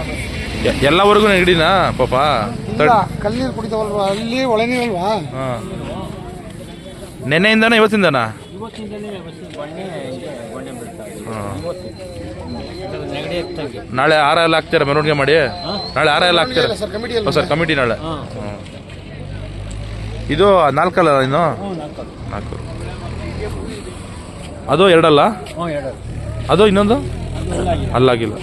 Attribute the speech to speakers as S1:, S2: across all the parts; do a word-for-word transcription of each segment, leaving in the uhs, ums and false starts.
S1: ಎಲ್ಲವರೆಗೂ ನೆಗಡಿನಾ ಪಾಪ?
S2: ಕಲ್ಲೀರು ಕುಡಿತಾವಲ್ವಾ, ಅಲ್ಲಿ ಒಳೆ ನೀರಲ್ವಾ?
S1: ಹಾಂ. ನೆನ್ನೆಯಿಂದನಾ ಇವತ್ತಿಂದನಾ? ನಾಳೆ ಹಾರ ಎಲ್ಲ ಹಾಕ್ತೀರಾ ಮೆರವಣಿಗೆ ಮಾಡಿ? ನಾಳೆ ಹಾರ ಎಲ್ಲ ಹಾಕ್ತೀರಾ ಸರ್? ಕಮಿಟಿ ನಾಳೆ. ಇದು ನಾಲ್ಕಲ್ಲ ಇನ್ನು? ನಾಲ್ಕು. ಅದು ಎರಡಲ್ಲ? ಅದು ಇನ್ನೊಂದು ಅಲ್ಲಾಗಿಲ್ಲ.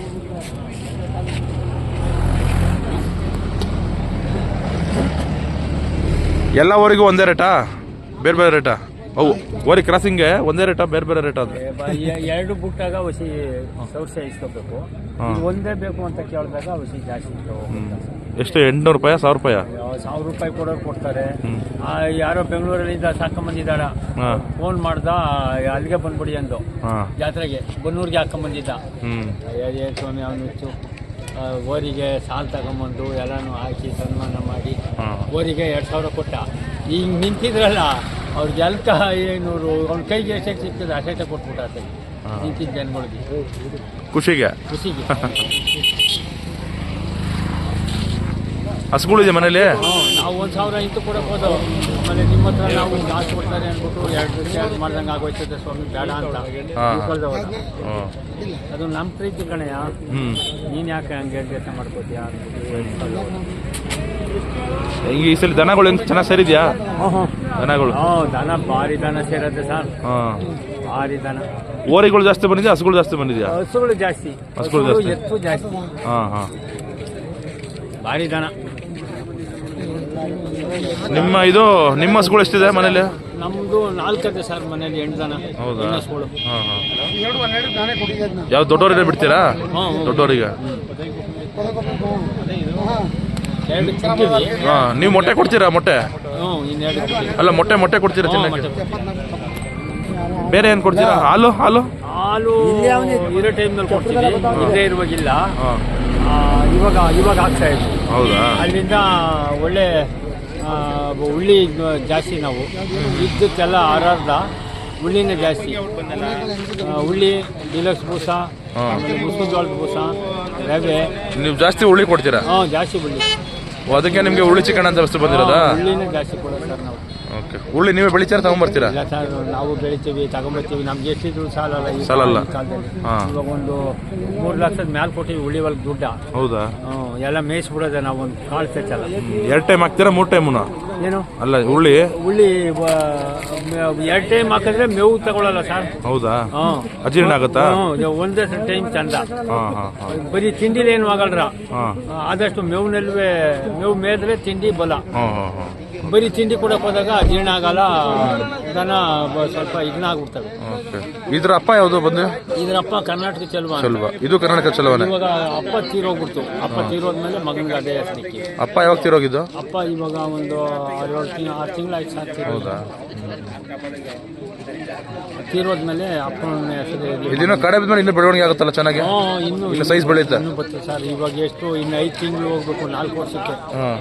S1: ಎಲ್ಲ ಊರಿಗೂ ಒಂದೇ ರೇಟಾ ಬೇರೆ ಬೇರೆ ರೇಟಾ? ಅವು ಓರಿ ಕ್ರಾಸಿಂಗ್ಗೆ ಒಂದೇ ರೇಟಾ ಬೇರೆ ಬೇರೆ ರೇಟಾ? ಅಂದ್ರೆ
S3: ಎರಡು ಬುಟ್ಟಾಗ ಔಷಧಿ ಸೌರ್ಸೆ ಇಸ್ಕೋಬೇಕು, ಒಂದೇ ಬೇಕು ಅಂತ ಕೇಳಿದಾಗ ಔಷಧಿ ಜಾಸ್ತಿ.
S1: ಎಷ್ಟು? ಎಂಟುನೂರು ರೂಪಾಯಿ ಸಾವಿರ ರೂಪಾಯಿ?
S3: ಸಾವಿರ ರೂಪಾಯಿ ಕೊಡೋರು ಕೊಡ್ತಾರೆ. ಯಾರೋ ಬೆಂಗಳೂರಲ್ಲಿದ್ದ ಸಾಕೊಂಬಂದಿದ್ದಾಳ, ಫೋನ್ ಮಾಡ್ದ ಅಲ್ಲಿಗೆ ಬಂದ್ಬಿಡಿ ಅಂದು ಜಾತ್ರೆಗೆ ಬನ್ನೂರಿಗೆ ಹಾಕೊಂಬಂದಿದ್ದ. ಸ್ವಾಮಿ ಅವನು ಓರಿಗೆ ಸಾಲ್ ತಗೊಂಬಂದು ಎಲ್ಲಾನು ಹಾಕಿ ಸನ್ಮಾನ ಮಾಡಿ ಓರಿಗೆ ಎರಡು ಸಾವಿರ ಕೊಟ್ಟ. ಈಗ ನಿಂತಿದ್ರಲ್ಲ ಅವ್ರಿಗೆ ಎಲ್ಕ ಏಳ್ನೂರು ಅವ್ನ ಕೈಗೆ ಎಷ್ಟೆಷ್ಟು ಸಿಗ್ತದೆ ಅಷ್ಟೇ ಕೊಟ್ಬಿಟ್ಟ ನಿಂತಿದ್ದ ಜನಗಳಿಗೆ
S1: ಖುಷಿಗೆ
S3: ಖುಷಿಗೆ.
S1: ಹಸುಗಳಿದೆ ಮನೇಲಿ?
S3: ನಾವು ಒಂದು ಸಾವಿರ ಇಂಟು ಕೊಡಕ್ಕೆ ಹೋದವು. ಆಮೇಲೆ ನಿಮ್ಮ ಹತ್ರ ನಾವು ಜಾಸ್ತಿ ಕೊಡ್ತಾರೆ ಅಂದ್ಬಿಟ್ಟು ಎರಡು ಎರಡು ಮಾಡ್ದಂಗೆ ಆಗೋಯ್ತದೆ ಸ್ವಾಮಿ ಬೇಡ ಅಂತ ಅದು ನಮ್ಮ ಪ್ರೀತಿ ಕಣೆಯ. ನೀನು ಯಾಕೆ ಹಂಗೆ ಕೆಲಸ ಮಾಡ್ಕೋತೀಯ?
S1: ಈಗ ಈ ಸಲ ದನಗಳು ಹೆಂಗೆ ಚೆನ್ನಾಗಿ ಸೇರಿದ್ಯಾ? ದನಗಳು?
S3: ಹ್ಞೂ, ದನ ಭಾರಿ ದನ ಸೇರತ್ತೆ ಸರ್. ಭಾರಿ ದನ.
S1: ಓರಿಗಳು ಜಾಸ್ತಿ ಬಂದಿದ್ಯಾ ಹಸುಗಳು ಜಾಸ್ತಿ ಬಂದಿದ್ಯಾ?
S3: ಹಸುಗಳು ಜಾಸ್ತಿ,
S1: ಹಸುಗಳು ಜಾಸ್ತಿ,
S3: ಎತ್ತು ಜಾಸ್ತಿ.
S1: ಹಾಂ ಹಾಂ. ಭಾರಿ
S3: ದನ.
S1: ನಿಮ್ಮ ಇದು ನಿಮ್ಮ ಹಸುಗಳು ಎಷ್ಟಿದೆ ಮನೇಲಿ?
S3: ನಮ್ದು ನಾಲ್ಕೈತೆ ಸರ್ ಮನೇಲಿ, ಎಂಟು ದನ.
S1: ಹೌದಾ? ಹಾಂ ಹಾಂ.
S2: ಯಾವ
S1: ಯಾವ ದೊಡ್ಡವರಿಗೆ ಬಿಡ್ತೀರಾ? ದೊಡ್ಡವರಿಗೆ? ಹಾಂ. ನೀವು ಮೊಟ್ಟೆ ಕೊಡ್ತೀರಾ? ಮೊಟ್ಟೆ ಅಲ್ಲ, ಮೊಟ್ಟೆ ಮೊಟ್ಟೆ ಕೊಡ್ತೀರಾ ತಿನ್ನಕ್ಕೆ? ಬೇರೆ ಏನು ಕೊಡ್ತೀರಾ? ಹಾಲು? ಹಾಲು
S3: ಹಾಲು ಇರೋ ಟೈಮ್ನಲ್ಲಿ ಕೊಡ್ತೀವಿ, ಇಲ್ಲೇ ಇರುವಾಗಿಲ್ಲ. ಇವಾಗ ಇವಾಗ ಆಗ್ತಾ ಇದೆ.
S1: ಹೌದಾ?
S3: ಅಲ್ಲಿಂದ ಒಳ್ಳೆ ಉಳ್ಳಿ ಜಾಸ್ತಿ. ನಾವು ಇದ್ದಕ್ಕೆಲ್ಲ ಆರಾರ್ದ ಉಳ್ಳಿನೇ ಜಾಸ್ತಿ. ಉಳ್ಳಿ, ಡಿಲಕ್ಸ್ ಬೂಸ, ಮುಸ್ಲಿಂ ಜೋಳದ ಬೂಸ, ರವೆ.
S1: ನೀವು ಜಾಸ್ತಿ ಉಳ್ಳಿ ಕೊಡ್ತೀರಾ?
S3: ಹಾಂ, ಜಾಸ್ತಿ ಉಳ್ಳಿ.
S1: ಅದಕ್ಕೆ ನಿಮಗೆ ಉಳ್ಳಿ ಚಿಕನ್ ಅಂತ ವಸ್ತು ಬಂದಿರೋದಾ?
S3: ಉಳ್ಳಿನೇ ಜಾಸ್ತಿ ಕೊಡೋದು ಸರ್ ನಾವು.
S1: ಓಕೆ. ಉಳ್ಳಿ ನೀವೇ ಬೆಳಿತೀರಾ ತಗೊಂಡ್ಬರ್ತೀರಾ?
S3: ಇಲ್ಲ ಸರ್, ನಾವು ಬೆಳಿತೀವಿ ತಗೊಂಬರ್ತೀವಿ. ನಮ್ಗೆ ಎಷ್ಟಿದ್ರು ಸಾಲಲ್ಲ ಈ
S1: ಸಾಲಲ್ಲ.
S3: ಇವಾಗ ಒಂದು ಮೂರು ಲಕ್ಷದ ಮ್ಯಾಲೆ ಕೊಟ್ಟಿವಿ ಉಳ್ಳಿ ಒಳಗೆ ದುಡ್ಡ.
S1: ಹೌದಾ?
S3: ಹ್ಞೂ, ಎಲ್ಲ ಮೇಯಿಸ್ಬಿಡೋದೆ ನಾವು. ಒಂದು ಕಾಳು ತೆಚ್ಚಲ್ಲ.
S1: ಎರಡು ಟೈಮ್ ಹಾಕ್ತೀರಾ ಮೂರು ಟೈಮುನ?
S3: ಏನು
S1: ಅಲ್ಲ, ಉಳ್ಳಿ
S3: ಉಳ್ಳಿ ಎರಡು ಟೈಮ್ ಹಾಕಿದ್ರೆ ಮೇವು ತಗೊಳ್ಳಲ್ಲ ಸರ್.
S1: ಹೌದಾ?
S3: ಹಾಂ.
S1: ಅಜೀರ್ಣ ಆಗುತ್ತಾ?
S3: ಹ್ಞೂ, ಒಂದೇ ಟೈಮ್ ಚಂದ.
S1: ಹಾಂ ಹಾಂ ಹಾಂ.
S3: ಬರೀ ತಿಂಡಿಲಿ ಏನು ಆಗಲ್ರ.
S1: ಹಾಂ.
S3: ಆದಷ್ಟು ಮೇವಿನಲ್ವೇ ಮೇವು ಮೇದ್ರೆ ತಿಂಡಿ ಬಲ.
S1: ಹಾಂ ಹಾಂ ಹಾಂ.
S3: ಬರೀ ತಿಂಡಿ ಕೊಡಕ್ಕೆ ಹೋದಾಗ ಜೀರ್ಣ ಆಗಲ್ಲ, ದನ ಸ್ವಲ್ಪ ಇದನ್ನ ಆಗ್ಬಿಡ್ತವೆ.
S1: ಇದ್ರ ಅಪ್ಪ ಯಾವುದು ಬಂದು?
S3: ಇದ್ರ ಅಪ್ಪ ಕರ್ನಾಟಕ ಚಲುವ.
S1: ಚಲುವ. ಇದು ಕರ್ನಾಟಕ ಚಲುವನೆ.
S3: ಇವಾಗ ಅಪ್ಪ ತೀರೋಗ್ಬಿಡ್ತು. ಅಪ್ಪ ತೀರೋದ್ಮೇಲೆ ಮಗನಿಗೆ ಅದೇ ಹೆಸರಿಕೆ.
S1: ಅಪ್ಪ ಯಾವಾಗ ತೀರೋಗಿದ್ದು?
S3: ಅಪ್ಪ ಇವಾಗ ಒಂದು ಆರು ತಿಂಗಳು ಆರು ತಿಂಗಳಾಯ್ತು ಸರ್.
S1: ಹೌದಾ?
S3: ತೀರೋದ್ಮೇಲೆ ಅಪ್ಪನ ಹೆಸರು
S1: ಇದಿನ್ನೂ ಕಡೆ ಬಿದ್ಮೇಲೆ ಇನ್ನೂ ಬೆಳವಣಿಗೆ ಆಗುತ್ತಲ್ಲ ಚೆನ್ನಾಗಿ?
S3: ಇನ್ನು
S1: ಇನ್ನು ಸೈಜ್ ಬೆಳೆಯುತ್ತೆ?
S3: ಇನ್ನೂ ಬರ್ತದೆ ಸರ್. ಇವಾಗ ಎಷ್ಟು ಇನ್ನು ಐದು ತಿಂಗಳು ಹೋಗ್ಬೇಕು, ನಾಲ್ಕು ವರ್ಷಕ್ಕೆ.
S1: ಹಾಂ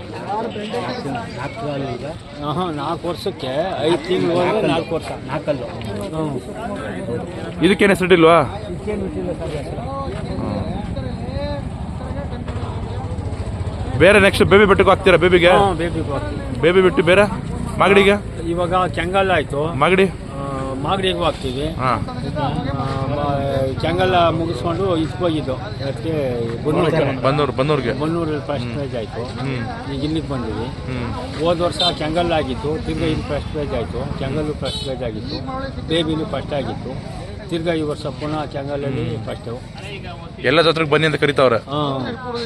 S3: ಹಾಂ, ನಾಲ್ಕು ವರ್ಷಕ್ಕೆ ಐದು ತಿಂಗಳು ಹೋದ್ರೆ ನಾಲ್ಕು ವರ್ಷ ನಾಲ್ಕಲ್ಲು. ಹ್ಞೂ.
S1: ಇದಕ್ಕೇನು ಹೆಸರಿಟ್ಟಿಲ್ವಾ? ಬೇರೆ ನೆಕ್ಸ್ಟ್ ಬೇಬಿ ಬೆಟ್ಟಕ್ಕೆ ಹಾಕ್ತೀರಾ? ಬೇಬಿಗೆ?
S3: ಬೇಬಿ
S1: ಬೇಬಿ ಬಿಟ್ಟು ಬೇರೆ ಮಾಗಡಿಗೆ?
S3: ಇವಾಗ ಕೆಂಗಲ್ ಆಯ್ತು,
S1: ಮಾಗಡಿ
S3: ಮಾಗಡಿಗೂ ಹಾಕ್ತೀವಿ.
S1: ಹಾಂ.
S3: ಕೆಂಗಲ್ ಮುಗಿಸ್ಕೊಂಡು ಇಸ್ಕೋಗಿದ್ದು ಅದಕ್ಕೆ
S1: ಬನ್ನೂರು ಬನ್ನೂರಿಗೆ
S3: ಬನ್ನೂರಲ್ಲಿ ಫಸ್ಟ್ ಪ್ರೈಜ್ ಆಯಿತು. ಈಗ ಇಲ್ಲಿಗೆ ಬಂದಿವಿ.
S1: ಹ್ಞೂ.
S3: ಹೋದ ವರ್ಷ ಕೆಂಗಲ್ ಆಗಿತ್ತು, ತಿರ್ಗಾ ಇಲ್ಲಿ ಫಸ್ಟ್ ಪ್ರೈಜ್ ಆಯಿತು. ಕೆಂಗಲ್ಲು ಫಸ್ಟ್ ಪ್ರೈಜ್ ಆಗಿತ್ತು, ಬೇಬಿಲು ಫಸ್ಟ್ ಆಗಿತ್ತು. ತಿರ್ಗಾ ಈ ವರ್ಷ ಪುನಃ ಕೆಂಗಲಲ್ಲಿ ಫಸ್ಟು.
S1: ಎಲ್ಲ ಜಾತ್ರೆಗೆ ಬನ್ನಿ ಅಂತ ಕರಿತಾವ್ರೆ.
S3: ಹಾಂ.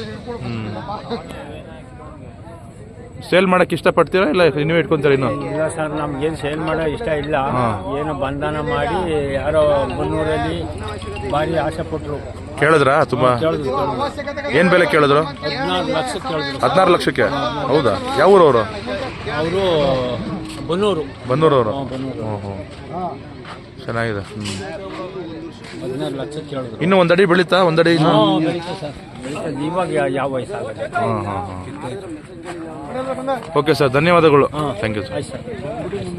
S1: ಸೇಲ್ ಮಾಡಕ್ಕೆ ಇಷ್ಟಪಡ್ತೀರಾ ಇಲ್ಲ ನೀವೇ ಇಟ್ಕೊಂತೀರಾ? ಇನ್ನು
S3: ಇಲ್ಲ ಸರ್, ನಮ್ಗೇನು ಸೇಲ್ ಮಾಡೋ ಇಷ್ಟ ಇಲ್ಲ. ಏನೋ ಬಂಧನ ಮಾಡಿ ಯಾರೋ ಬನ್ನೂರಲ್ಲಿ ಭಾರಿ ಆಸೆ ಪಟ್ಟರು.
S1: ಕೇಳಿದ್ರಾ? ತುಂಬ ಏನು ಬೆಲೆ ಕೇಳಿದ್ರು?
S3: ಹದಿನಾರು ಲಕ್ಷಕ್ಕೆ ಕೇಳಿದ್ರು.
S1: ಹದಿನಾರು ಲಕ್ಷಕ್ಕೆ? ಹೌದಾ? ಯಾವ ಊರವರು?
S3: ಅವರು ಬನ್ನೂರು.
S1: ಬನ್ನೂರವರು?
S3: ಬನ್ನೂರು.
S1: ಹ್ಞೂ ಹ್ಞೂ. ಚೆನ್ನಾಗಿದೆ. ಹ್ಞೂ.
S3: ಹದಿನಾರು ಲಕ್ಷಕ್ಕೆ ಕೇಳಿದ್ರು.
S1: ಇನ್ನೂ ಒಂದಡಿ ಬೆಳೀತಾ? ಒಂದಡಿ ಇನ್ನು
S3: ಬೆಳೀತಾ ಸರ್, ಬೆಳೀತಾ. ಇವಾಗ ಯಾವ ವಯಸ್ಸಾಗುತ್ತೆ?
S1: ಹಾಂ ಹಾಂ ಹಾಂ. ಓಕೆ ಸರ್, ಧನ್ಯವಾದಗಳು. Thank you sir.
S3: ಆಯ್ತು ಸರ್.